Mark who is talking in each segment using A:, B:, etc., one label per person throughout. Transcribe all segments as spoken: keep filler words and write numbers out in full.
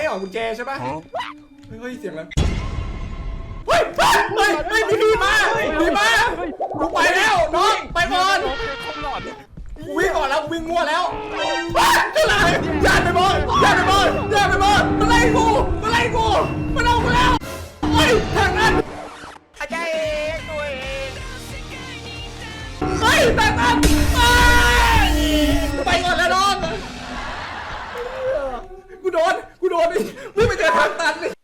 A: ออกกุญแจใช่ปะเฮ้ยเสียงอะไรเฮ้ยเฮ้ยเฮ้ยมีพี่มามีมากูไปแล้วน้องไปก่อนกูวิ่งก่อนแล้วกูวิ่งมั่วแล้วอะไรย่านไปบอลย่านไปบอลย่านไปบอลมาไล่กูมาไล่กูมาเอากูแล้วเฮ้ยทางนั้นอาจารย์เองตัวเองเฮ้ยทางนั้นไปก่อนแล้วน้องกูโดนกูโดนดิวิ่งไปเจอทางตันเลย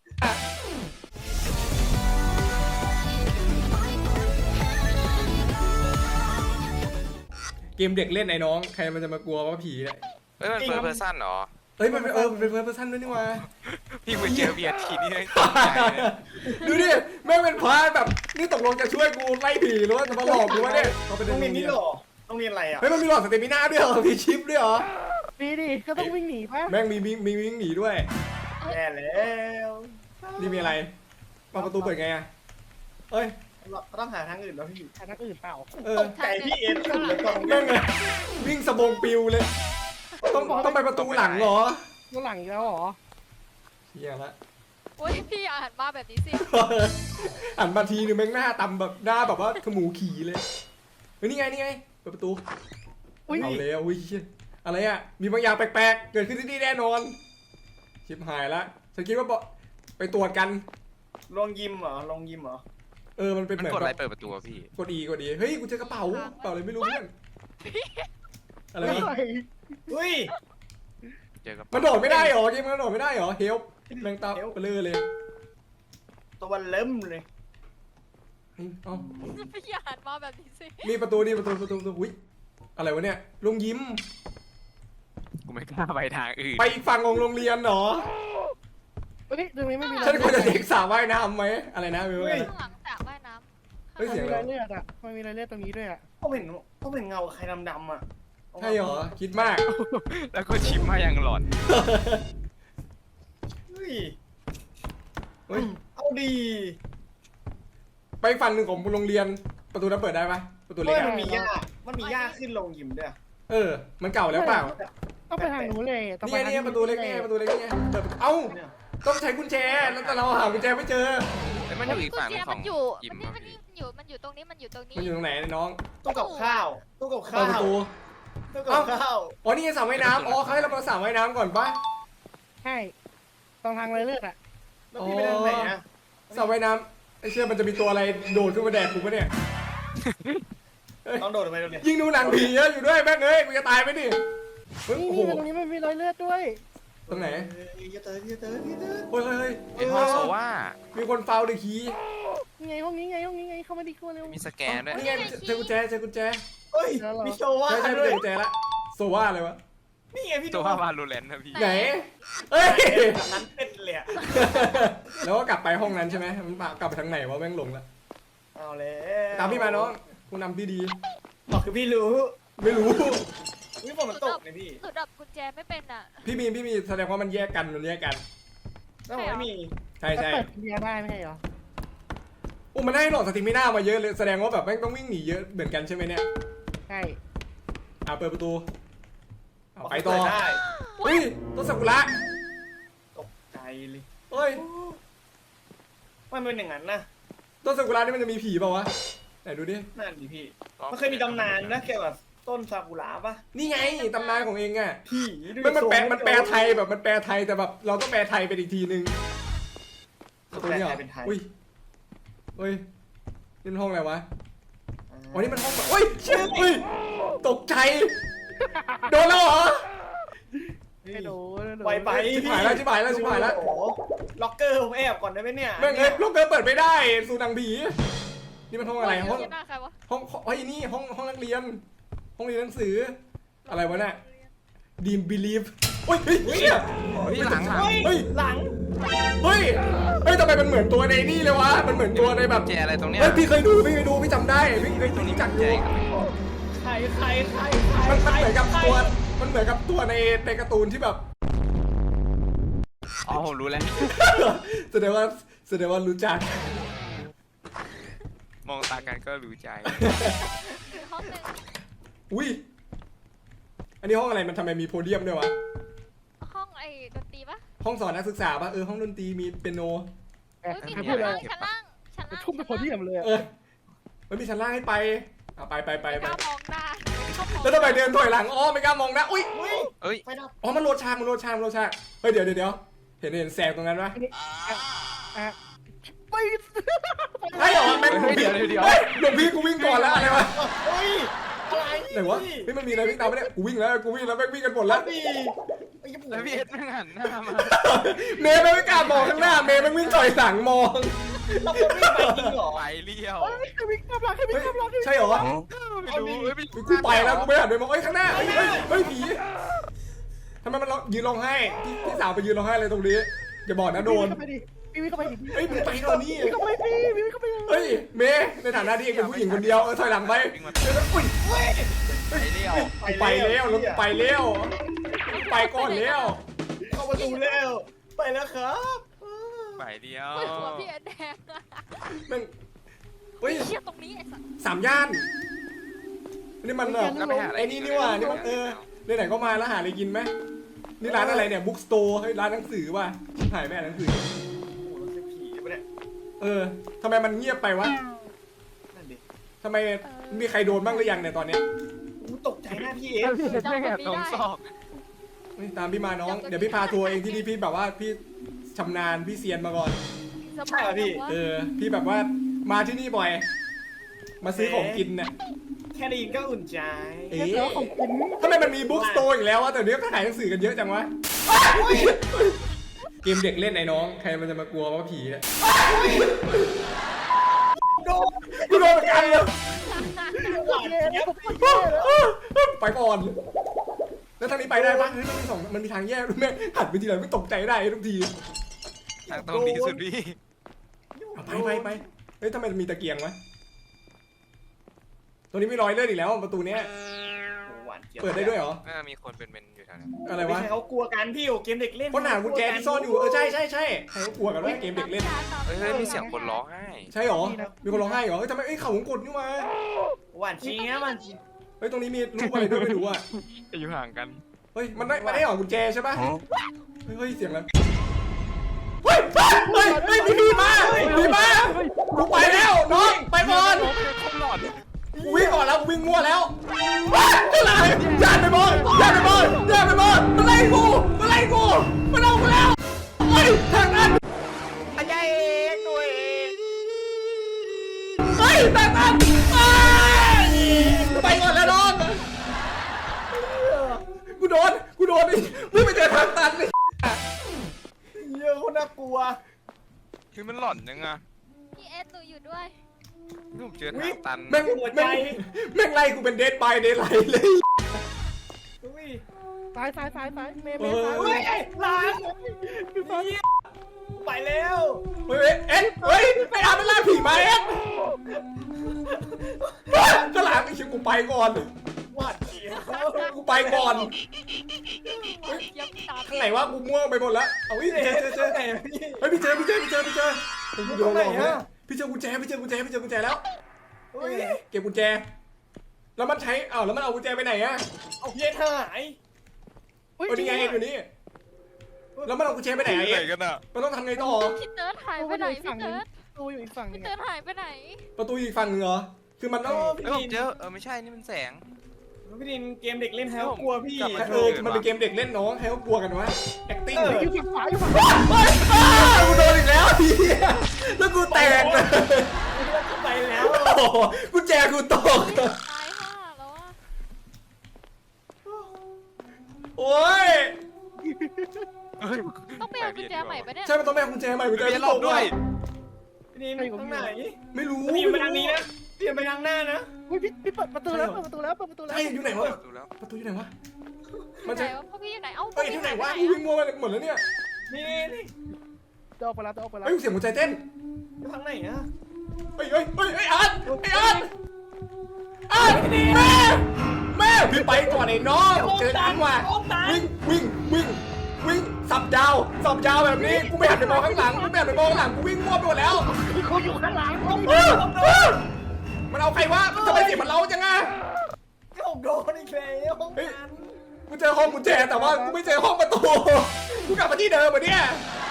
A: เกมเด็กเล่นไอ้น้องใครมันจะมากลัวว่าผีเนี่ย
B: เฮ้ยมันเฟิร์สเพอร์ซันเหรอ
A: เฮ้ยมันเป็นเออมันเป็นเฟิร์สเพอร์ซันด้วยนี่วะ
B: พี่ไปเจอเบียร์ทีนี่เลย
A: ดูดิแม่งเป็นพาแบบนี่ตกลงจะช่วยกูไล่ผีหรือว่าจะมาหลอกกูวะเนี่ย
C: ต้องเรียนนี่หรอต้องเรียนอะไรอ่ะ
A: เฮ้ยมันมีหลอดสเตมิน่าด้วยเหรอมีชิปด้วยเหรอ
D: มีดิก็ต้องวิ่งหนีป่ะ
A: แม่งมีมีมีวิ่งหนีด้วย
C: แย่แล้ว
A: นี่มีอะไรประตูเปิดไงอ่ะเอ้ย
C: เราต้องหาทางอื่นแล้วพี่
D: หาทางอื่นเปล่า
C: ตกใจพี่เอ็นสุดเลยตรง
A: แม่งเลยวิ่งสะบงปิวเลยต้องต้องไปประตูหลังเหรอ
D: ประตูหลังอีกแล้วเหรอ
A: เฮียละ
E: โอ้ยพี่อย่าหันมาแบบนี้สิ
A: หันมาทีนึงแม่งหน้าตำแบบหน้าแบบว่าขมูขี่เลยเฮ้ยนี่ไงนี่ไงเปิดประตูเอาแล้วอุ้ยอะไรอ่ะมีบางอย่างแปลกๆเกิดขึ้นที่นี่แน่นอนชิบหายละฉันคิดว่าไปตรวจกัน
C: ลงยิมเหรอลงยิมเหรอ
A: เออมันเป็นเหมือน
B: กดอะไรเปิดประตูพี่
A: กดอีกดอีเฮ้ยกูเจอกระเป๋ากระเป๋าอะไรไม่รู้เพื่อนอะไรวะ
C: เฮ้ย
B: เจอกับ
A: มันโดดไม่ได้หรอเกมมันโดดไม่ได้หรอเฮลแมงตาเปลือเลย
C: ตัวมันเริ่มเลย
A: เอ้า
E: พี่อย่าหันมาแบบนี้สิ
A: นี่ประตูนี่ประตูประตูประตูอุ้ยอะไรวะเนี่ยลงยิ้ม
B: กูไม่กล้าไปทางอื่น
A: ไปอีกฝั่งของโรงเรียนหรอ
D: เฮ้ยตรงนี้ไม่มี
A: ฉันควรจะเด็กสาวว่ายน้ำไหมอะไรนะมิว
E: ข้างหลังสระว่ายน้ำ
A: เฮ้ยเสียง
D: อะไรเลือดอ่ะมันมีอะไรเลือดตรงนี้ด้วยอ่ะ
C: ก็เห็นก็เห็นเงาใครดำๆอ่ะ
A: ใช่เหรอคิดมาก
B: แล้วก็ชิมมาอย่างหลอน
C: เฮ้ย
A: เฮ้ย
C: เอาดี
A: ไปฝั่งหนึ่งของโรงเรียนประตูนั้นเปิดได้ปะประตูเล็ก
C: มันมีหญ้ามันมีหญ้าขึ้นลงยิมด้วย
A: เออมันเก่าแล้วเปล่า
D: ต้องไปทางนู้นเลย
A: นี่ไงนี่ประตูเล็กนี่ประตูเล็กนี่เปิดเอ้าต้องใช้กุญแจแล้วแต่เราหากุญแจไม่เจอ
B: มันอยู่อีกฝั่งของ
E: มันอยู่มันอยู่มันอยู่ตรงนี้มันอยู่ตรงนี้
A: มันอยู่ตรงไหนน้อง
C: ตู้กับข้าวตู้กับข้าว
A: ประตู
C: ตู้กับข้าว
A: อ๋อนี่สระว่ายน้ำอ๋อเขาให้เราไปสระว่ายน้ำก่อนปะ
D: ใช่ตรงทางเลยเลือดอ่ะ
C: แล้วพี่ไปทางไหนอะ
A: สระว่ายน้ำไอ้เชื่อมันจะมีตัวอะไรโดดขึ้นมาแดกกูปะเนี่ย
C: ต้องโดดไปตรงนี้
A: ยิงดูหนังผีเยอะอยู่ด้วยแม่งเอ้ยกูจะตายไหมดิ
D: นี่ตรงนี้มันมีรอยเลือดด้วย
A: ตรงไหน
C: อย่าเตยอย่าเตยอย่าเตย
A: เฮ้ยเฮ้ย
B: ไอ้ห้องโซว่า
A: มีคนฟาวเดอะคีย์
D: ไงห้องนี้ไงห้องนี้ไงเข้ามาดิเข้ามาเร็ว
B: มีสแกนด้วย
A: นี่ไงเจอกุญแจเจอกุญแจ
C: เฮ้ยมีโซว่า
A: ใช่ใช่เจอกุญแจละโซว่าอะไรวะ
C: นี่ไงพี่
B: โซว่าวาลูเลนนะพี่
A: ไหนเฮ้ย
C: นั้นเป็นเลยอะ
A: แล้วก็กลับไปห้องนั้นใช่ไหมมันกลับไปทางไหนวะแม่งหลงละ
C: เอาเลย
A: ตามพี่มาน้องคุณนำพี่ดี
C: บอกคือพี่รู้
A: ไม่รู้
C: วิฝนมันตกเลยพี่
E: หนูดับกุญแจไม่เป็นอ่ะ
A: พี่มีพี่มีแสดงว่ามันแยกกันมันแยกกัน
C: แล้วผมไม่มี
A: ใช่ใช่
D: เปิดเบียร์ได้ไม่ใช่เหรอ
A: โอ้มันได้หลอดสติมิน่ามาเยอะเลยแสดงว่าแบบแม่งต้องวิ่งหนีเยอะเหมือนกันใช่ไหมเนี่ย
D: ใช่
A: อ่าเปิดประตูเอาไปต่อ
C: ได้
A: เฮ้ยต้นซากุระ
C: ตกใจเลย
A: เฮ้ย
C: มันเป็นอย่างนั้นนะ
A: ต้นซากุระนี่มันจะมีผีเปล่าวะไหนดูดิ
C: นั่นดิพี่มันเคยมีตำนานนะเกี่ยวกับต้นซากุระปะ
A: นี่ไงตำนานของเองอ่ะ
C: ผี
A: มันมันแปลมันแปลไทยแบบมันแปลไทยแต่แบบเราต้องแปลไทยเป็นอีกทีนึง
C: ตัวนี้เป็นไทย
A: อุ้ยเฮ้ยนี่มันห้องอะไรวะอ๋อนี่มันห้องแบบเฮ้ยเชี่ยเฮ้ยตกใจโดนแล้วเหรอ
D: ไม่โดน
C: ไวไป
A: ชิบหายแล้วชิบหายแล้วชิบหายแล้ว
C: ล็อกเกอร์ผมแอบก่อนได้ไหมเนี่ย
A: แม่งเอ้ยล็อกเกอร์เปิดไม่ได้สูนังผีนี่มันห้องอะไรห้องห้องไอ้นี่ห้องห้องนักเรียนห้องเรียนหนังสืออะไรวะเนี่ยดีมบิลีฟเฮ้ยเฮ้ย
B: เฮ้ยหลัง
C: เฮ้ยหลัง
A: เฮ้ยเฮ้ยทำไมมันเหมือนตัวในนี่เลยวะมันเหมือนตัวในแบบ
B: แจอะไรตรงเนี้ย
A: เฮ้ยพี่เคยดูพี่เคยดูพี่จำได้พี่เคยดูจักอยู่
C: ใครใครใคร
A: มันมันเหมือนกับตัวมันเหมือนกับตัวในในการ์ตูนที่แบบ
B: อ๋อผมรู้แล้ว
A: แสดงว่าแสดงว่ารู้จัก
B: มองตากันก็รู้ใจ
E: ห้องนึง
A: อุ้ยอันนี้ห้องอะไรมันทำไมมีโพเดียมด้วยวะ
E: ห้องไอ้ดนตรีปะ
A: ห้องสอนนักศึกษาป่ะเออห้องดนตรีมีเปียโน
D: แอบ
E: เฮ้ยมี
D: แอบ
E: ชั้
D: พูด
E: น
D: เล
E: ล่าย งชั้นล่างชั้นล่าง
D: ทุ่มไปพอดียมเลย
A: เออมันมีชั้นล่างให้ไปอ่ะไปไปไป
E: ไม่
A: ไป
E: กล้ามองหน้าเขามอง
A: แล้วทำไมเดินถอยหลังอ้อไม่กล้ามองนะอุ้ย
B: เอ้ย
C: ไฟดับ
A: อ๋อมันโรดชางมันโรดชางมันโรดชางเฮ้ยเดี๋ยวเดี๋ยวเดี๋ยวเห็นเห็นแสงตรงนั้นปะ
D: อ่ะไม่
A: ใช่เหรอแม่ง
B: เดี๋ยวเดี๋ยวเดี๋ยว
A: เฮ้ยหลวงพี่กูวิ่งก่อนแล้วอะไรวะ
C: เฮ้ยอะไร
A: ไหนวะเฮ้ยมันมีอะไรวิ่งตามมาเนี่ยกูวิ่งแล้วกูวิ่งแล้วแม่งวิ่งกันหมดแล้ว
C: ดิไอ้ญี่ปุ่น
B: แล้วพี่เอ็ดแม่งหันหน้ามา
A: เมย์ไม่กล้ามองข้างหน้าเมย์มันวิ่งถอยหลังมอง
C: เราคนวิ่งไปจริงเหรอ
B: ไปเลี้ยว
D: ให้วิ่งข้ามหลังให้วิ่ง
A: เฮ้ย
D: ข้ามหลัง
A: ใช่เหรอ
B: ไม่รู้เฮ้ย
A: กูไปแล้วกูไม่หันไปมองเอ้ยข้างหน้าเฮ้ยเฮ้ยเฮ้ยผีทำไมมันร้องยืนร้องไห้พี่พี่สาวไปยืนร้องไห้เลยตรงนี้อย่าบอกนะโดน
D: เข้าไปดิวิ่งเข้าไปดิ
A: เฮ้ยมึงไปก่อนนี่
D: วิ่งเข้าไปดิวิ่งเข้าไปเลย
A: เฮ้ยเมย์ในฐานะที่เองเป็นผู้หญิงคนเดียวเออถอยหลังไปเดี๋ยวนะอุ้ย
B: ไปเลี้ยว
A: กูไปแล้วแล้วกูไปแล้วกูไปก่อนแล้ว
C: เข้าประตูแล้วไปแล้วครับ
B: ไปเลี้ยว
E: เฮ้ยหัวพี่แอนแดงอะ
A: แม่งเฮ้ย
E: เชี่ยตรงนี้ไอ้สัส
A: สามย่านนี่มันแบบ
B: ก็ไปหาอะไร
A: ไอ้นี่นี่ว่านี่มันเออไหนๆก็มาแล้วหาอะไรกินไหมนี่ร้านอะไรเนี่ยบุ๊กสโตร์เฮ้ยร้านหนังสือว่ะถ่ายแม่หนังสือ
C: โอ้โหเราจะผีปะเนี่ย
A: เออทำไมมันเงียบไปวะ
C: นั่นดิ
A: ทำไมมีใครโดนบ้างหรือยังเนี่ยตอนเนี้ย
C: กูตกใจหน้าพี่เอฟ
B: แม่งแอบตรงซอก
A: เฮ้ยตามพี่มาน้องเดี๋ยวพี่พาทัวร์เองที่นี่พี่แบบว่าพี่ชำนาญพี่เซียนมาก่อน
C: ใช่เหรอพี่
A: เออพี่แบบว่ามาที่นี่บ่อย มาซื้อของกินเนี่ย
C: แค่ได้ยินก็อุ่นใจ
A: เอ๊
D: แล้ว
A: ะ
D: ของกิน
A: ทำไมมันมีบุ๊กสโตร์อีกแล้ววะแต่เดี๋ยวก็ขายหนังสือกันเยอะจังวะเกมเด็กเล่นไอ้น้องใครมันจะมากลัวว่าผีเนี่ย
C: โดน
A: กูโดนเหมือนกันเลย
C: หวานเจี๊ยบ
A: ไปก่อนแล้วทางนี้ไปได้ปะเฮ้ยมันมีสองมันมีทางแยกด้วยแม่งหันไปทีไรไม่ตกใจได้ทุกที
B: ทางตรงดีสุดพี่
A: เอาไปไปไปเฮ้ยทำไมมันมีตะเกียงวะตัวนี้มีรอยเลือดอีกแล้วประตูเนี้ย
C: หวานเจี๊ยบ
A: เปิดได้ด้วยเหรอ
B: น่ามีคนเป็นเป็นอยู่แถวนั้น
A: อะไร
C: ไม่
A: วะ
C: ใช่เขากลัวกันพี่โอ้เกมเด็กเล่น
A: ค้นหากุญแจที่ซ่อนอยู่เออใช่ใช่ใช่ใครก็กลัวกันว่าเกมเด็กเล่น
B: เฮ้ยเฮ้ยมีเสียงคนร้องไห้
A: ใช่หรอมีคนร้องไห้เหรอเฮ้ยทำไมเอ้ยเขาวงกดนี่วะ
C: หวานเจี๊ยบหวานเจี๊ยบ
A: เฮ้ยตรงนี้มีรูปอะไรด้วยไม่รู้อ่ะ
B: จะอยู่ห่างกัน
A: เฮ้ยมันได้มันได้หรอกุญแจใช่ปะเฮ้ยเฮ้ยเสียงอะไรเฮ้ยเฮ้ยเฮ้ยมีพี่มามีมากูไปแล้วน้องไปก่อน
B: คนหลอน
A: กูวิ่งก่อนแล้วกูวิ่งมั่วแล้วอะไรย่านไปบอลย่านไปบอลย่านไปบอลมันไล่กูมันไล่กูมันเอากูแล้วเฮ้ยทางนั้น
C: อาจารย์เองตัวเอง
A: เฮ้ยทางนั้นไปก่อนแล้วน้องกูโดนกูโดนไอ้วิ่งไปเจอทางตันเลย
C: เยอะคนน่ากลัว
B: คือมันหลอนยังไง
E: พี่เอสหนูอยู่ด้วย
B: ผมเจอทางตัน
A: แม่งแม่งแม่งไล่กูเป็นเดดบายเดดไลท์เลย
C: อุ้ย
D: ซ้ายซ้ายซ้ายซ้ายเมย์เม
A: เอ
D: ย์
A: อ
D: ซ้าย
C: เฮ้ยหลานไปแล้ว
A: เฮ้ยเอ็ดเฮ้ยไปอาเป็นล่าผีมาเอ็ดก็หลังไอ้ชิวกูไปก่อน
C: หวานเจี๊ยบ
A: กูไปก่อน
E: ยังตาม
A: ข้างไหนวะกูม่วงไปหมดแล้วเอาอีกเจอเจอเจอ
C: ไหนพี่
A: เฮ้ยพี่เจอพี่เจอพี่เจอพี่เจอพี่โดนหลอกเลยพี่เจอกุญแจพี่เจอกุญแจพี่เจอกุญแจแล้ว
C: เฮ้ย
A: เก็บกุญแจ แล้วมันใช้อ้าวแล้วมันเอากุญแจไปไหนอะ
C: เอาเพี้ยนหาย
A: เอานี่ไงเอ็ดอยู่นี่แล้วมันเอากุญแจไปไหน
B: ไหน
A: อะเอ็ด
B: กันอ่ะ
A: มันต้องทำไงต่อ
E: พี่เติร์ดหายไปไหนพี่เติร์ด
D: ตัวอยู่อีกฝั่งนึ
E: พี่
D: ง
E: เติร์ดหายไปไหน
A: ประตูอีกฝั่งหนึงเหรอคือมันต้อง
B: เอ้ยผมเจอเออไม่ใช่นี่มันแสง
C: พี่ดินเกมเด็กเล่นแฮวกลัวพี่
A: เออมันเป็นเกมเด็กเล่นน้องใครก็กลัวกันวะ acting เลย
D: อยู่ฝั่งขวาอยู่ฝั่ง
A: เฮ้ยอ้ากูโดนอีกแล้วเฮียแล้วกูแตกเลย
C: ไปแล้ว
A: โอ้โหกุญแจกูตก
E: ตายห่าแล้วอะ
A: โอ้ย
B: เฮ้ย
E: ต้องไปเอากุญแจใหม่ปะเนี่ย
A: ใช่มันต้องแม่กุญแจใหม่กุญแจ
B: เบีย
A: ที่
B: ร์หล
A: ต
B: บ
A: ก
B: ด้
A: ด้
B: ว
A: วย ย
C: พี่ดินตรงไหน
A: ไม่รู้
C: พี่ไปทางนี้นะพี่ไปทางหน้านะ
D: พี่พี่เปิดประตูแล้วเปิดประตูแล้วเปิดประตูแล้ว
A: ใช่อยู่ไหนวะ
B: ดูแล้ว
A: ประตูอยู่ไหนวะ
E: มั
A: มัน น
E: ไหน
A: จะ
E: วะพวกพี่อยู่ไหน เอ้า
A: เอ้ยที่ไหนวะกูวิ่งมัวไปหมดแล้วเนี่ย
C: นี่นี่
D: จะออกไปแล้วจะออกไปแล้ว
A: เฮ้ยเสียงหัวใจเต้น
C: อยู่ทางไหนอะ
A: เฮ้ยเฮ้ยเฮ้ยไอ้อาร์ตไอ้อาร์ตอาร์ตแม่แม่พี่ไปก่อนไอ้น้องเจอกันว่ะวิ่งวิ่งวิ่งวิ่งสับยาวสับยาวแบบนี้กูไม่หันไปมองข้างหลังกูไม่หันไปมองข้างหลังกูวิ่งมั่วไปหมดแล้ว
D: เขาอยู่ข้างหลัง
A: เออเออมันเอาใครวะทำไมเสียงมันเล้าจังอะ
C: ก็ผมโดนอีกแล้วห้องนั้น
A: เกูเจอห้องกุญแจแต่ว่ากูไม่เจอห้องประตูกูกลับมาที่เดิมเหมือนเนี่ย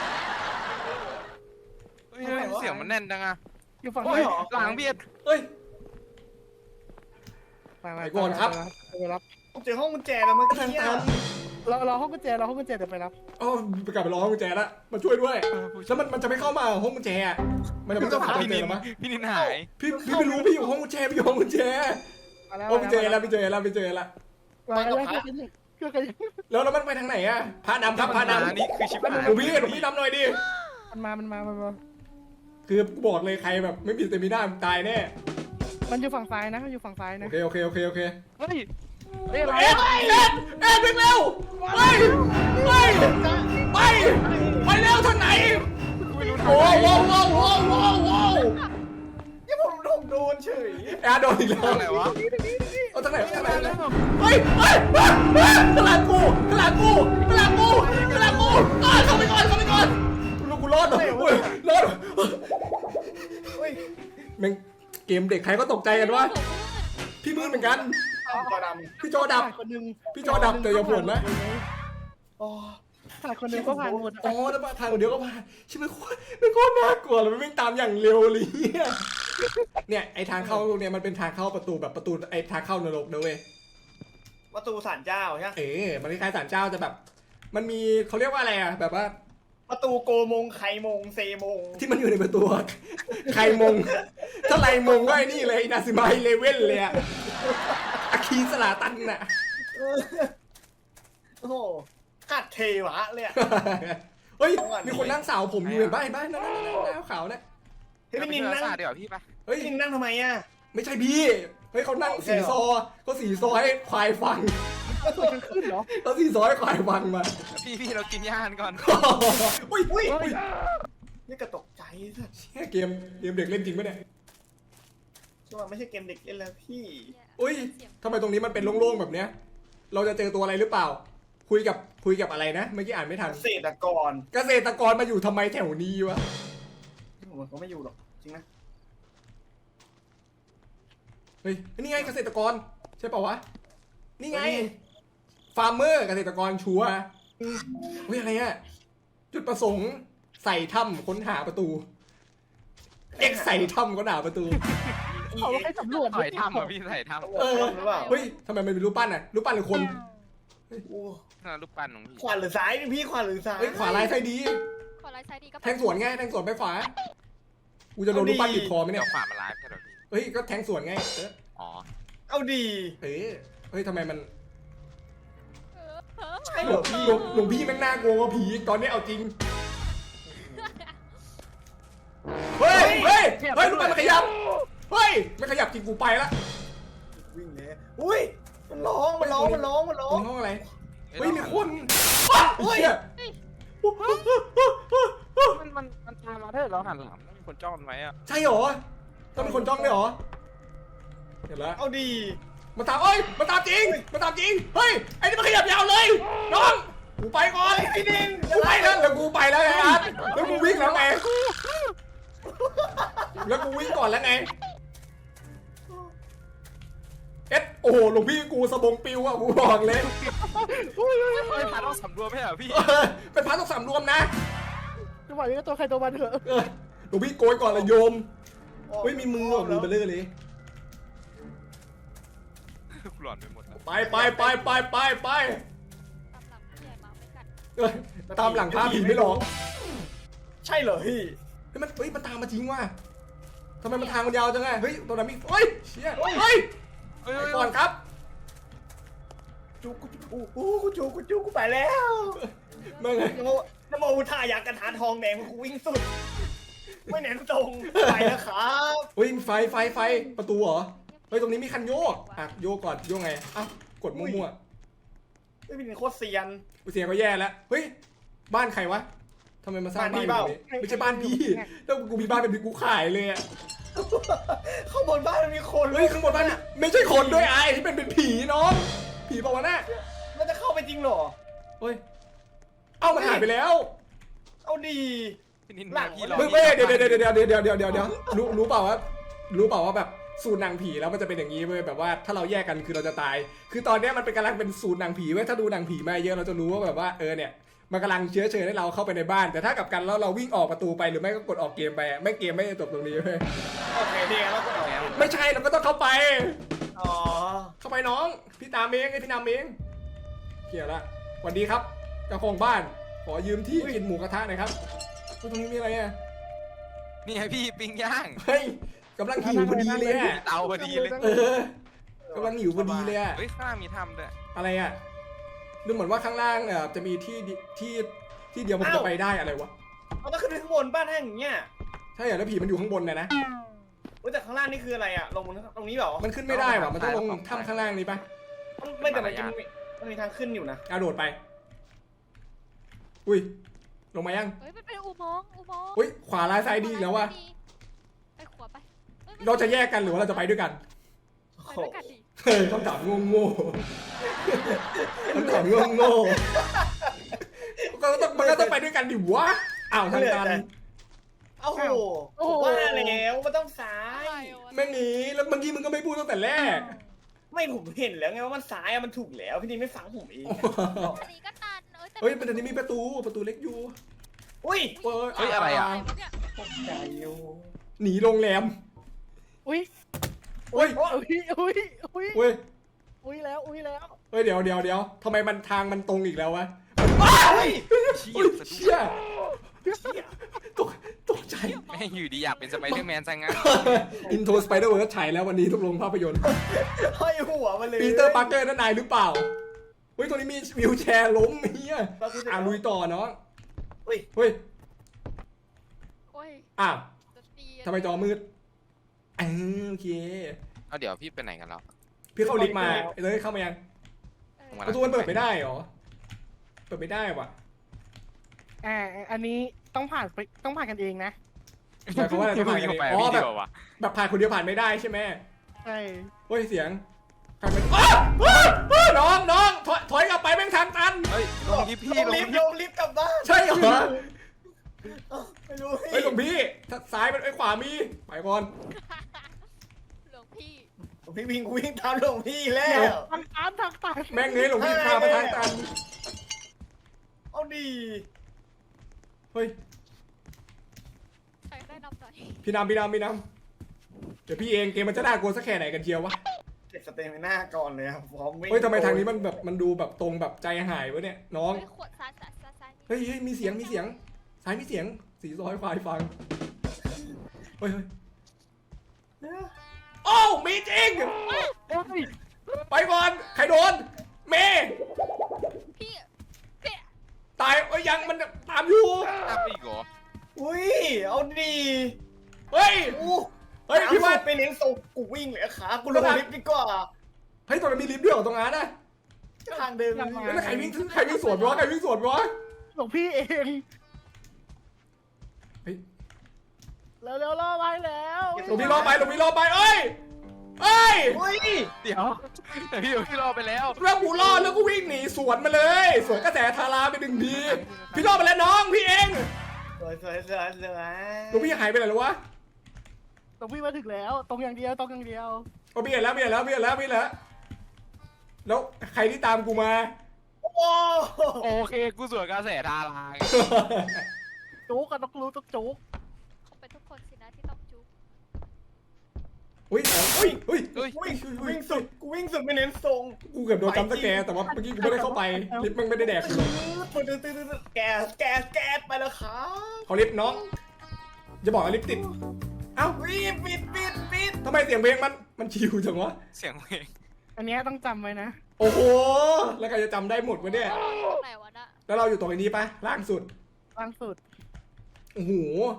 B: เฮ้ยเสียงมันแน่นจังอะ
D: อยู่ฝั่ง
B: เฮ้
D: นี้
B: ยหลังเบียด
A: เฮ้ย
D: ไปไป
A: ไปก่อนครับ
D: ไปรับ
C: ผมเจอห้องกุญแจแล้วเมื่อ
A: ทาง
C: กี้
A: ตัน
D: เราเราห้องกุญแจเราห้องกุญแจเดี๋ยวไปรับ
A: อ๋อไปกลับไปรอห้องกุญแจละมาช่วยด้วยแล้วมันมันจะไม่เข้ามาห้องกุญแจอะมันจะไม่เข้าหากุญ
B: พี่
A: แจ
B: นิ
A: ห
B: น
A: รอมะ
B: พี่นินหาย
A: พี่พี่ไม่รู้พี่อยู่ห้องกุญแจพี่อยู่ห้องกุญแจ
D: มาแล้ว
A: ห้องกุญแจแล้วพี่เจอแล้วพี่เจอแล้ว
D: มาแล้วมาแล้วเพื่อนกัน
A: แล้วแล้วมันไปทางไหนอะพานำครับพานำ
B: นี่คือชิบหาย
A: หนูพี่หนูพี่นำหน่อยดิ
D: มันมามันมามันมา
A: คือบอกเลยใครแบบไม่มีสเตมิน่ามึงตายแน่
D: มันอยู่ฝั่งซ้ายนะมันอยู่ฝั่งซ้าย
A: โอ
D: นะ
A: เคโอเคโอเคโอเค
B: เฮ้ย
D: เฮ้ยอะไร
A: เอ็ดเอ็ดเอ็ดวิ่งเร็วไปไปไปไปเร็วทางไหน
B: ไม่รู้ทาง
A: โอ้
B: ไหน
A: โหโอ้โหโอ้โหโอ้โห
C: นี่ผมผมโดนเฉย
A: แอร์โดนอีกแล้ว
B: ทางไหนวะ
A: เอาทางไหนทางไหนเฮ้ยเฮ้ยเฮ้ยเฮ้ยกระลากูกระลากูกระลากูกระลากูอ่าเข้าไปก่อนเข้าไปก่อนลูกกูรอดเหรออุ้ยรอดเหรอ
C: เฮ้ย
A: แม่งเกมเด็กใครก็ตกใจกันวะพี่มืดเหมือนกัน
C: จอด
A: พี่จอดับ
D: คนนึง
A: พี่จอดับแต่อย่าบ่นนะ
C: ำอ๋อ
D: ถ่ายคนนึงก็ผ่านหมด
A: อ๋อแล้วมาทางเดียวก็ผ่านใช่ไหมโคตรมันโคตรน่ากลัวเลยมันวิ่งตามอย่างเร็วเลยเนี่ยเนี่ยไอทางเข้าเนี่ยมันเป็นทางเข้าประตูแบบประตูไอทางเข้านรกนะเว้ย
C: ประตูศาลเจ้าใช่ไหม
A: เอ๋มันคล้ายๆศาลเจ้าจะแบบ มันมีเขาเรียกว่าอะไรอะแบบว่า
C: ประตูโกมงไขมงเซมง
A: ที่มันอยู่ในประตูอะใครมงถ้าไรมงก็ไอ้นี่เลยนาซิมาเลเว่นเลยอะอาคีสลาตันน่ะ
C: โอ้โหกัดเทวะเลยอะ
A: เฮ้ยมีคนนั่งสาวผมอยู่เห็นป่ะเห็นป่ะนั่นนั่นนั่นขาวเนี่ย
C: เฮ้ยพี่นินนั่ง
B: เดี๋ยวพี่ไป
A: เฮ้ย
C: พี่นินนั่งทำไมอ่ะ
A: ไม่ใช่พี่เฮ้ยเขานั่งสีซอเขาสีซอให้ควายฟัง
D: ก็สวยกันขึ้นเหรอ
A: เขาสีซอให้ควายฟังมา
B: พี่พี่เรากินย่านก่อน
A: อุ้ยอุ้ย
C: นี่กระตกใจสัส
A: เชี่ยเกมเกมเด็กเล่นจริงปะเนี่ย
C: ช่วงไม่ใช่เกมเด็กเล่นแล้วพี่
A: อุ้ยทำไมตรงนี้มันเป็นโล่งๆแบบเนี้ย เราจะเจอตัวอะไรหรือเปล่า คุยกับคุยกับอะไรนะเมื่อกี้อ่านไม่ทัน
C: เกษตรกร
A: เกษตรกรมาอยู่ทำไมแถวนี้วะ
C: ผมก็ไม่อยู่หรอกจริงนะ
A: เฮ้ยนี่ไงเกษตรกรใช่ป่าวะนี่ไงฟาร์มเมอร์เกษตรกรชัวร์เฮ้ยอะไรอะจุดประสงค์ใส่ถ้ำค้นหาประตูเอ็กใส่ถ้ำค้นหาประตู
D: เขาให้สำรวจ
B: ใส่ถ้ำอ่ะพี่ใส่ถ้
A: เออ
C: หรือเปล่า
A: เฮ้ยทำไมมันเป็นรูปปั้นอะรูปปั้นหรือคน
C: โอ้
B: ำน่ารูปปั้นของพี่
C: ขวาหรือซ้ายนี่พี่ขวาหรือซ้าย
A: เฮ้ยขวาลายไส้ดี
E: ขอไลน์ไซด์ดีก็
A: แทงสวนไงแทงสวนไปขวากูจะโดนรูปปั้นบีบคอไหม
B: เดี๋
A: เนี่ย
B: ยวขวามันไลฟ์ใช่หรอพี่
A: เฮ้ยก็แทงสวนไงเออ
B: อ๋อ
C: เอาดี
A: เอ้ยเฮ้ยทำไมมัน
C: ใช่
A: ห
C: เห
A: ล
C: ร
A: ว
C: อง พี่
A: หลวงหลวงพี่แม่งน่ากลัวกว่าผีตอนนี้เอาจริงเฮ้ยเฮ้ยเฮ้ยรูปปั้นมันขยับเฮ้ยไม่ขยับจริงกูไปละ
C: วิ่งเลยอุ้ยมันร้องมันร้องมันร้องมันร้อ
A: ตรง งห้องอะไรเฮ้ยมีคนเฮ้ย
B: มันมันมันตามมาถ้าเราหันหลังมีคนจ้องมันไว้อะ
A: ใช่เหรอต้องมีคนจ้องด้วยเหรอเห็นแล้ว
C: เอาดี
A: มาตามเอ้ยมาตามจริงมาตามจริงเฮ้ยไอ้นี่มันขยับยาวเลยน้องกูไปก่อน
C: ไอ้ดิน
A: กูไปแล้วแล้วกูไปแล้วไงอาร์ตแล้วกูวิ่งแล้วไงแล้วกูวิ่งก่อนแล้วไงเอ็ดโอ้โหหลวงพี่กูสะบงปิวอ่ะกูบอกเลย
B: ไม่พาต้องสำรวจไม่เหรอพี่
A: เออเป็นพระต้องสำรวมนะ
D: จังหวะนี้ก็ตัวใครตัวมันเถอะ
A: เออหลวงพี่โกยก่อนละโยมเฮ้ยมีมืออ่ะมือเบลเลอร์เลย
B: กูหลอนไปหมดแล้ว
A: ไปไปไปไปไปไป
E: ตามหลังผู้ใหญ่มาไม่กัด
A: เออตามหลังพระผีไม่หลอก
C: ใช่เหรอพี่
A: เฮ้ยมันเฮ้ยมันตามมาจริงว่ะทำไมมันทางมันยาวจังไงเฮ้ยตรงนั้นมีเฮ้ยเชี่ยเฮ้ย
B: เฮ้ย
A: ไปก่อนครับ
C: จูกูจูกูกูจูกูจูกูไปแล้ว
A: มาไง
C: นโมนโมอุทายากระถาทองแดงกูวิ่งสุด ไม่เน้นตรงไปแล้วครับ
A: เฮ้ยไฟไฟไฟประตูเหรอเฮ้ยตรงนี้มีคันโยกอ่ะโยกก่อนโยกไงอ้าวกดมั่ว
C: ไม่เป็นโคตรเซียน
A: ๆเสียงก็แย่แล้วเฮ้ยบ้านใครวะทำไมมาสร้างบ้านแบบนี้ไม่ใช่บ้านพี่แล้วกูมีบ้านเป็นกูขายเลยอ่ะ
C: ข้างบนบ้านมันมีคน
A: เฮ้ยข้างบนบ้านไม่ใช่คนด้วยไอ้ที่เป็นเป็นผีน้องผีเปล่าวะน่ะ
C: มันจะเข้าไปจริงเหรอ
A: เฮ้ยเอ้ามันหายไปแล้ว
C: เอาดี
B: พี่นิน
C: หลัง
B: พี่รอ
A: เฮ้ยเฮ้ยเดี๋ยวเดี๋ยวเดี๋ยวเดี๋ยวเดี๋ยวเดี๋ยวเดี๋ยวรู้รู้เปล่าว่ารู้เปล่าว่าแบบสูตรหนังผีแล้วมันจะเป็นอย่างนี้เว้ยแบบว่าถ้าเราแยกกันคือเราจะตาย คือตอนเนี้ยมันเป็นกำลังเป็นสูตรหนังผีเว้ยถ้าดูหนังผีมาเยอะเราจะรู้ว่าแบบว่าเออเนี่ยมันกำลังเชื้อเชิญให้เราเข้าไปในบ้าน แต่ถ้ากลับกันแล้วเราวิ่งออกประตูไปหรือไม่ก็กดออกเกมไปไม่เกมไม่จบตรงนี้เว้ย
C: โอเคดีแล้วก็เอา
A: ไม่ใช่เราก็ต้องเข้าไป
C: อ๋อ
A: เข้าไปน้องพี่ตามเองไอพี่นำเองเกี่ยวละสวัสดีครับเจ้าของบ้านขอยืมที่กินหมูกระทะหน่อยครับตรงนี้มีอะไรอ่ะ
B: นี่ไงพี่ปิ้งย่าง
A: เฮ้ยกำลังหิวพอดีเลยอ่ะ
B: เตาพอดีเลย
A: เออกำลังหิวพอดีเลยอ่ะ
B: เฮ้ยข้างล่างมีถ้ำด้วย
A: อะไรอ่ะดูเหมือนว่าข้างล่างเอ่อจะมีที่ดิที่ที่เดียวมันจะไปได้อะไรวะ
C: เอาต้องขึ้นไปข้างบนบ้านแห้งอย่างเงี้ย
A: ใช่เหรอแล้วผีมันอยู่ข้างบนนะนะ
C: โอ้ยแต่ข้างล่างนี่คืออะไรอะลงบนตรงนี้เหรอ
A: มันขึ้นไม่ได้ว่ะมันต้องลงถ้ำข้างล่างนี้ปะ
C: ไม่แต่มันจะมีมันมีทางขึ้นอยู่นะ
A: เอาโดดไปอุ้ยลงมายัง
E: เฮ้ยมันเป็นอุโมงค์อุโมงค์
A: อุ้ยขวาลายซ้ายดีอีกแล้ววะ
E: ไปขวาไปอ้ย
A: เราจะแยกกันหรือว่าเราจะไปด้วยกัน
E: ไปด้วยกันดิ
A: เฮ้ยคำถามโง่โง่ๆคำถามโง่โง่ๆก็ต้องมันก็ต้องไปด้วยกันดิวะอ้าวทางตัน
C: โอ้โหว่าแล้วมันต้องซ้า
E: อะไร
C: ยว
E: ะ
A: แม่งหนีแล้วเมื่อกี้มึงก็ไม่พูดตั้งแต่แรก
C: ไม่ผมเห็นแล้วไงว่ามันซ้ายอะมันถูกแล้วพี่นี่ไม่ฟังผมเอง
E: อันนี้ก็ตันเอ้ยแต่
A: เฮ้ยมันจะมีประตูประตูเล็กอยู่
C: อุ้ย
A: เอ้ย
B: เฮ้ยอะไรอ่ะ
E: อะไรวะเนี่ย
C: ตกใจอยู่
A: หนีโรงแรม
D: อุ้ย
A: เฮ้ย
D: อุ้ยอุ้ยอุ้ย
A: เฮ้ย
D: อุ้ยแล้วอุ้ยแล้ว
A: เฮ้ยเดี๋ยวเดี๋ยวเดี๋ยวทำไมมันทางมันตรงอีกแล้ววะ
C: เฮ้ย
B: เชี่
A: เฮ้
B: ย
A: ยเชี่ยตกตกใจ
B: แม่งอยู่ดีอยากเป็นสไปเดอร์แมนซะงั้น
A: อินโทรสไปเดอร์เวิร์ฉายแล้ววันนี้ทุกโรงภาพยนตร์
C: ห้อยหัวมาเลย
A: ปีเตอร์ปาร์เกอร์นั่นนายหรือเปล่าเฮ้ยตรงนี้มีวิวแชร์ล้มเฮียอ่ะลุยต่อเนาะ
C: อุ้ย
A: เฮ้ย
E: โอ้ย
A: อ้าว
E: จะตี
A: ทำไมจอมืดอ่าโอเค
B: เอาเดี๋ยวพี่ไปไหนกันแล้ว
A: พี่เข้าลิฟต์มาเลยเข้ามายัง
E: เออ
B: ผมกำลัง
A: ประตูมันเปิดไม่ได้เหรอเปิดไม่ได้ว่ะ
D: อ่าอันนี้ต้องผ่านไปต้องผ่านกันเองนะ
A: หมายความว่าอะไรต้องผ่านกัน
B: เข้า
A: เอง
B: ไป
A: อ๋อ
B: พี่
A: แบ
B: ดี
A: บ
B: กว่าวะ
A: แบบผ่านคนเดียวผ่านไม่ได้ใช่ไหม
D: ใช่
A: เฮ้ยเสียงใครเป็นอ้าวอ้าวอ้าวน้องน้องถอยถอยกลับไปแม่งทางตัน
B: เฮ้ยลงลิฟต์พี่
C: ลง
B: ลง
C: ลิ
B: ลิ
C: ฟ
B: ฟ
C: ต์
B: ต์
C: ลงลิฟต์กลับบ้าน
A: ใช่เหรอ
C: ไม่รู้
A: เฮ้ยหลวงพี่ถ้าซ้ายเป็นไอ้ขวามีไปก่อน
E: หลวงพี่
C: พี่วิ่งวิ่งตามหลวงพี่แล้ว
D: ทางตันทางตัน
A: แม่งเงยหลวงพี่พามาทางตัน
C: เอาดี
A: เฮ้ย
E: ใครได้นำหน่อย
A: พี่นำพี่นำพี่นำเดี๋ยวพี่เองเกมมันจะน่ากลัวสักแค่ไหนกันเชียววะ
C: เก็บสเตมิน่าก่อนเลยครับพร้อมวิ่ง
A: เฮ้ยทำไมทางนี้มันแบบมันดูแบบตรงแบบใจหายวะเนี่ยน้อง
E: เฮ้ยขวดซ้ายซ้ายซ้ายซ้าย
A: เฮ้ยเฮ้ยมีเสียงมีเสียงซ้ายมีเสียงสีซอยควายฟังเฮ้ยเฮ้ยโอ้าวมีจริง
D: โอ้ย
A: ไปก่อนใครโดนเมย์
E: พี่พี่
A: ตายเอ้ยยังมันตามอยู่
B: ตามไปอีกเหรอ
C: อุ้ยเอาดี
A: เฮ้ย
C: อู้
A: เฮ้ยพี่ว่า
C: ไปเน้นส่งกูวิ่งเลยขากูลงลิฟต์ดีกว่า
A: เฮ้ยตรงนั้นมีลิฟต์ด้วยเหรอตรงนั้นนะ
C: ทางเดิน
A: แล้วใครวิ่งใครวิ่งสวนวะใครวิ่งสวนวะ
D: หลวงพี่เอง
A: เฮ้ย
D: แล้วแล้วรอไว้แล้ว
A: หลวงพี่รอไปหลวงพี่รอไปเอ้ยเอ้ย
C: อุ้ย
B: เดี๋ยวแต่พี่พี่รอไปแล้ว
A: แล้วกูรอดแล้วก็วิ่งหนีสวนมาเลยสวนกระแสทาราไปหนึ่งทีพี่รอดไปแล้วน้องพี่เอง
C: สวยสวยสวยสวย
A: หลวงพี่หายไปไหนแล้ววะ
D: หลวงพี่มาถึงแล้ว ตรงอย่างเดียวตรงอย่างเดียว
A: โอ้พี่เห็นแล้วพี่เห็นแล้วพี่เห็นแล้วพี่เห็นแล้วแล้วใครที่ตามกูมา
C: โอ้
B: โอเคกูสวนกระแสดาราไง
D: จุกกันต้องรู้ต้องจุก
E: เขาเป็นทุกคนสินะที่ต้องจุ๊บ
A: อุ้ยอุ้ยอุ้ย
B: เฮ้ย
C: วิ่งวิ่งสุดกูวิ่งสุดไม่เน้นทรง
A: กูเกือบโดนจำสแกร์แต่ว่าเมื่อกี้กูไม่ได้เข้าไปลิฟต์มันไม่ได้แดกกูเลย
C: ตื่นตื่นตื่นตื่นแก๊สแก๊สแก๊สไปแล้วครับ
A: เขาลิฟต์น้องจะบอกว่าลิฟต์ติดเอ้า
C: รีบปิดปิดปิด
A: ทำไมเสียงเพลงมันมันชิวจังวะ
B: เสียงเพลง
D: อันเนี้ยต้องจำไว้นะ
A: โอ้โหแล้วใครจะจำได้หมดวะเนี่ย
E: ตรงไหนวะน่ะ
A: แล้วเราอยู่ตรงนี้ปะล่างสุด
D: ล่างสุด
A: โอ้โห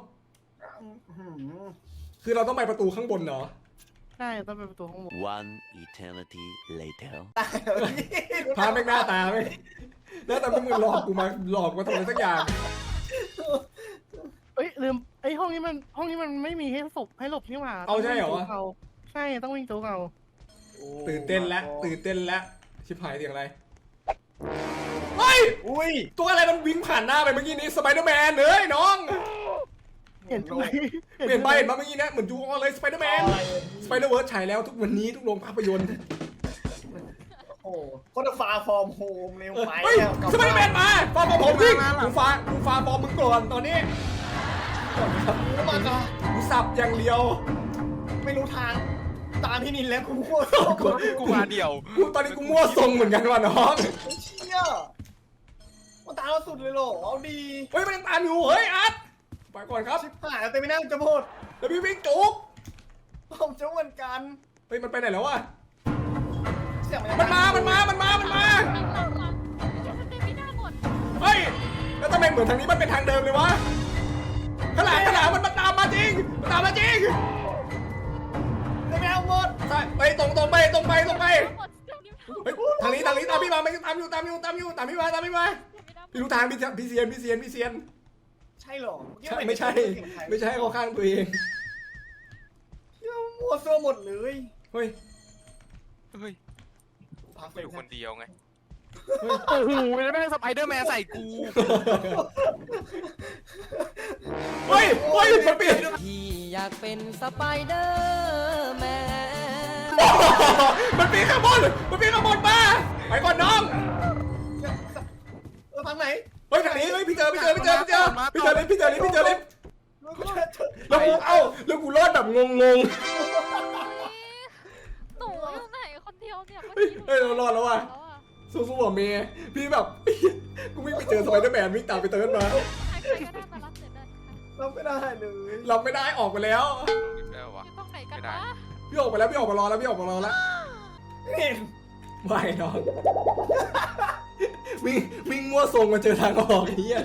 A: คือเราต้องไปประตูข้างบนเหรอ
D: ใช่ต้องเป็นประตูข้างบน
F: One eternity later.
A: พาแม่งหน้าตาไหมหน้าตาไม่เหมือนหลอกกูมาหลอกมาทำอะไรสักอย่าง
D: เอ้ยลืมไอ้ยห้องนี้มันห้องนี้มันไม่มีให้ศพให้หลบนี่หว่า
A: เอาใช่เหรอ
D: ต้องวิ่งจุกาใช่ต้องวิ่งจุกเอา
A: ตื่นเต้นแล้วตื่นเต้นแล้วชิบหายเสียงอะไรเฮ้ย
C: อุ้ย
A: ตัวอะไรมันวิ่งผ่านหน้าไปเมื่อกี้นี้สไปเดอร์แมนเฮ้ยน้อง
D: เห็นไหม
A: เปลี่ยนไปเห็นมาเมื่อกี้นะเหมือนจูออนเลยสไปเดอร์แมนสไปเดอร์เวิร์สฉายแล้วทุกวันนี้ทุกโรงภาพยนตร์
C: โอ้โหคนละฟาฟอร์มโฮมเร็วไป
A: เฮ้ย
C: แล้วกลับ
A: สไปเดอร์แมนมาฟาร์มผมจริงกูฟ้ากูฟ้าฟอร์มมึงก่อนตอนนี้
C: มาจ้ะ
A: กูสับอย่างเดียว
C: ไม่รู้ทางตามพี่นินแล้วกูโคตร
B: กูกูมาเดียว
A: กูตอนนี้กูมั่วทรงเหมือนกันว่ะน้อง
C: เชี่ยมันตามเราสุดเลยเหรอเอาดี
A: เฮ้ยมันยังตามอยู่เฮ้ยอาร์ตไปก่อนครับ
C: ชิบหายแล้วแต่ไม่น่าจะโพด
A: แล้วพี่วิ่งจุก
C: ผมจะเหมือนกัน
A: เฮ้ยมันไปไหนแล้ววะ
C: เสียง
A: มันมา มันมา มันมา มันมา
E: หลังหลังหลังมันเป็นไม่ได้หมด
A: เฮ้ยแล้วทำไมเหมือนทางนี้มันเป็นทางเดิมเลยวะขางหลังขางหลังมันมาตามมาจริงมันตามมาจริง
C: จะไม่เอาหมด
A: ใช่ไปตรงตรงไปตรงไปตรงไป
E: หมดเดี๋ยวนี้
A: เฮ้ยทางนี้ทางนี้ตามพี่มาไม่ตามอยู่ตามอยู่ตามอยู่ตามพี่มาตามพี่มาพี่รู้ทางพี่พี่เซียนพี่เซียนพี่เซียน
C: ใช่เหรอ
A: ใช่ไม่ใช่ไม่ใช่เขาข้างตัวเอง
C: เชี่ยมัวเสื้อหมดเลย
A: เฮ้ย
B: เฮ้ย
C: พัก
B: กู
C: เลย
B: อยู่คนเดียวไง
A: เฮ้ย
B: โอ้โหแล้วแม่งสไปเดอร์แมนใส่กู
A: เฮ้ยเฮ้ยมันเปลี่ยน
G: พี่อยากเป็นสไปเดอร์แมน
A: มันเปลี่ยนข้างบนมันเปลี่ยนข้างบนมาไปก่อนน้อง
C: เออทางไหน
A: เฮ้ยทางนี้เฮ้ยพี่เจอพี่เจอพี่เจอพี่เจอพี่เจอเลยพี่เจอเลยพี่เจอเลยแล้วกูเอ้าแล้วกูรอดแบบงงง
E: หนูอยู่ไหนคนเดียวเนี่ย
A: เฮ้ยเฮ้ยเรารอดแล้วว่ะ
E: แล้วอะ
A: สู้ๆว่ะเมย์พี่แบบ กูวิ่งไปเจอสไปเดอร์แมนวิ่งตามไปเติร์นมา
E: ใครๆก็ได้มารับเสร็จเลยค่ะ
C: รับไม่ได้เลย
A: เราไม่ได้ออกไปแล้ว
B: แล้ววะ
E: อยู่ตรงไหนกัน
B: ไม่ได้
E: วะ
A: พี่ออกไปแล้วพี่ออกมารอแล้วพี่ออกมารอแล้ว
C: เห็น
A: ไม่น้องวิ่งวิ่งมั่วทรงมาเจอทางออกไอ้เหี้ย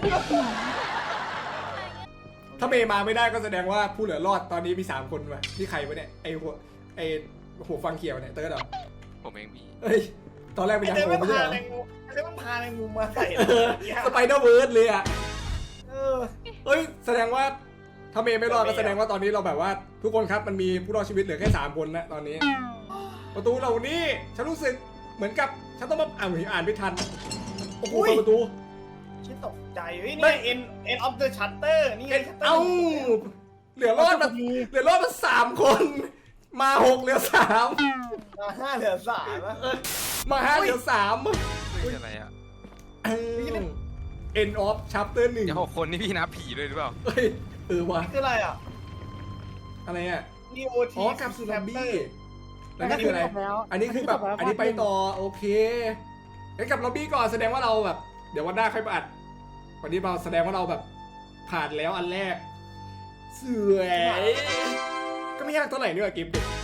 A: ถ้าเมย์มาไม่ได้ก็แสดงว่าผู้เหลือรอดตอนนี้มีสามคนว่ะนี่ใครวะเนี่ยไอหัวไอหัวฟังเขียวเนี่ยเติร์นเหรอ
B: ผมเองมี
A: เฮ้ยตอนแรกเป็น
C: ไอ้
A: ยัง
C: เต้
A: โง
C: มัน
A: ไม่ใช่
C: พา
A: เหรอ
C: แมงมุมไอ้เต้มันพาแมงมุมมาใส่
A: เออสไปเดอร์เวิร์สเลยอ่ะ
C: เออ
A: เฮ้ยแสดงว่าถ้าเมย์ไม่รอดก็แสดงว่าตอนนี้เราแบบว่า ทุกคนครับมันมีผู้รอดชีวิตเหลือแค่สามคนนะตอนนี้ ประตูเหล่านี้ฉันรู้สึกเหมือนกับฉันต้องมาอ่านอ่านไม่ทันโอ้โหเปิดประตู
C: ชิดตกใจเฮ้ยนี่เอ็นเอ็นออฟเดอะชัตเตอร์นี่ไง
A: เอ้าเหลือรอดมาเหลือรอดมาสามคน มาหกเหลือสาม
C: มาห้าเหลือสามนะ
A: มาห้าเหลือสาม
B: เฮ้ยอะไรอ่ะ
A: end of chapter หนึ่ง
B: เดี๋ยวหกคนนี่พี่นับผีเลยหรือเปล่า
A: เฮ้ยเออว่ะ
C: นี่คืออะไรอ่ะ
A: อะไรอ่ะ
C: ดีโอที
A: อ๋อกลับสู่ซอมบี้แล้วนี่คืออะไร อันนี้คือแบบอันนี้ไปต่อโอเคงั้นกลับล็อบบี้ก่อนแสดงว่าเราแบบ เดี๋ยววันหน้าค่อยมาอัดวันนี้เราแสดงว่าเราแบบผ่านแล้วอันแรกสวยก็ไม่ยากเท่าไหร่นี่หว่ากิฟต์